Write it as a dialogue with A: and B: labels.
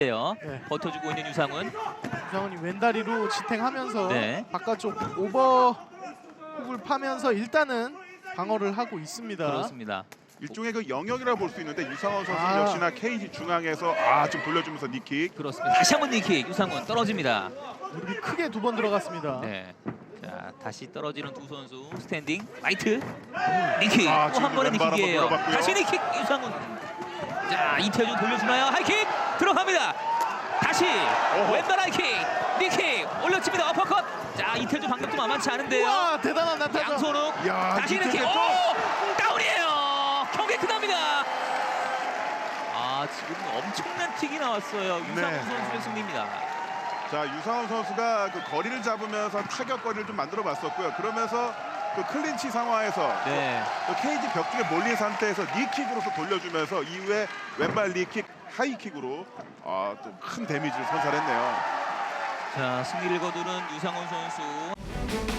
A: 네.
B: 버텨주고 있는 유상훈.
A: 유상훈이 왼다리로 지탱하면서
B: 네.
A: 바깥쪽 오버훅을 파면서 일단은 방어를 하고 있습니다.
B: 그렇습니다.
C: 일종의 그 영역이라고 볼 수 있는데 유상원 선수
A: 아.
C: 역시나 KT 중앙에서 좀 돌려주면서 니킥.
B: 그렇습니다. 다시 한번 니킥. 유상훈 떨어집니다.
A: 무릎이 크게 2번 들어갔습니다.
B: 네. 자, 다시 떨어지는 두 선수. 스탠딩 라이트 니킥. 또
C: 지금
B: 한 번의
C: 왼발 한번
B: 니킥이에요.
C: 들어봤고요.
B: 다시 니킥. 유상훈. 자, 이태준 돌려주나요? 하이킥 들어갑니다. 다시 왼발 하이킥. 니킥 올려칩니다. 어퍼컷. 자, 이태준 방금도 만만치 않은데요.
A: 와 대단한 난타전.
B: 양손욱.
C: 야,
B: 다시 니킥.
C: 이태준
B: 오! 다운이에요. 경기 끝납니다. 지금 엄청난 킥이 나왔어요. 유상훈
C: 네.
B: 선수의 승리입니다.
C: 자, 유상원 선수가 그 거리를 잡으면서 타격거리를 좀 만들어봤었고요. 그러면서 그 클린치 상황에서
B: 네.
C: 또 KT 벽쪽에 몰린 상태에서 니킥으로서 돌려주면서 이후에 왼발 니킥, 하이킥으로 또 큰 데미지를 선사했네요.
B: 자, 승리를 거두는 유상훈 선수.